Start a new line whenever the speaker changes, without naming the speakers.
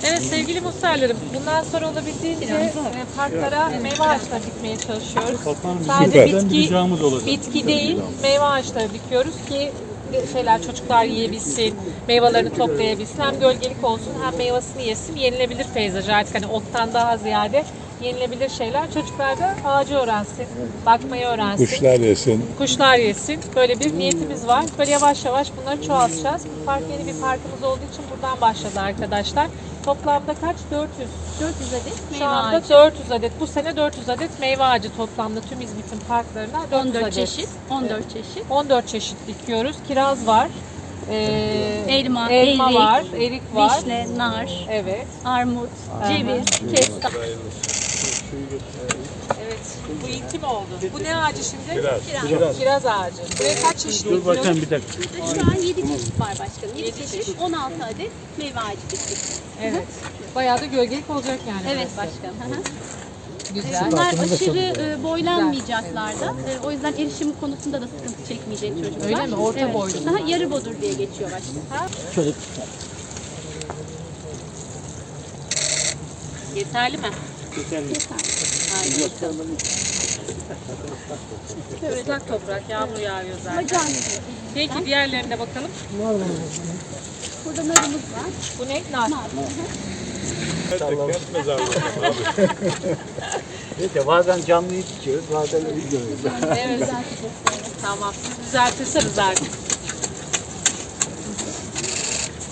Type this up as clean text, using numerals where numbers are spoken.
Evet sevgili muhtarlarım, bundan sonra olabildiğince parklara meyve ağaçları dikmeye çalışıyoruz. Sadece bitki değil, meyve ağaçları dikiyoruz ki çocuklar yiyebilsin, meyvelerini toplayabilsin. Hem gölgelik olsun hem meyvasını yesin. Yenilebilir peyzaj artık hani ottan daha ziyade yenilebilir şeyler. Çocuklar da ağacı öğrensin, bakmayı öğrensin.
Kuşlar yesin.
Kuşlar yesin. Böyle bir niyetimiz var. Böyle yavaş yavaş bunları çoğaltacağız. Bu park yeni bir parkımız olduğu için buradan başladı arkadaşlar. Toplamda kaç? 400.
400 adet
Şu
meyve
anda
ağacı.
400 adet. Bu sene 400 adet meyve ağacı toplamda tüm İzmit'in parklarına 400
14
adet.
çeşit. 14 çeşit.
14 çeşit dikiyoruz. Kiraz var.
Elma,
elma
erik,
var, erik var.
Vişne, nar,
Evet.
armut, ceviz, kestane.
Evet. Bu ilki mi oldu? Bu ne ağacı şimdi?
Kiraz.
Kiraz ağacı. Buraya kaç çeşit
Dur
dikiyoruz?
bakayım bir dakika.
Burada şu an 7 çeşit var başkanım. 7
Yedi
çeşit,
çeşit.
16 adet meyve ağacı diktik.
Evet. Bayağı da gölgelik olacak yani.
Evet başkanım. Hı hı.
Güzel.
Bunlar aşırı boylanmayacaklar da. O yüzden erişim konusunda da sıkıntı çekmeyecek çocuklar.
Öyle mi? Orta boylu.
Daha yarı bodur diye geçiyor başkanım.
Yeterli mi? Islak toprak, yağmur yağıyor zaten.
Bacağın.
Peki diğerlerine bakalım.
Burada narımız var.
Bu ne? Nar.
Neyse bazen canlıyı dikiyoruz, bazen ölü görüyoruz.
Evet. Tamam. Siz düzeltirseniz artık.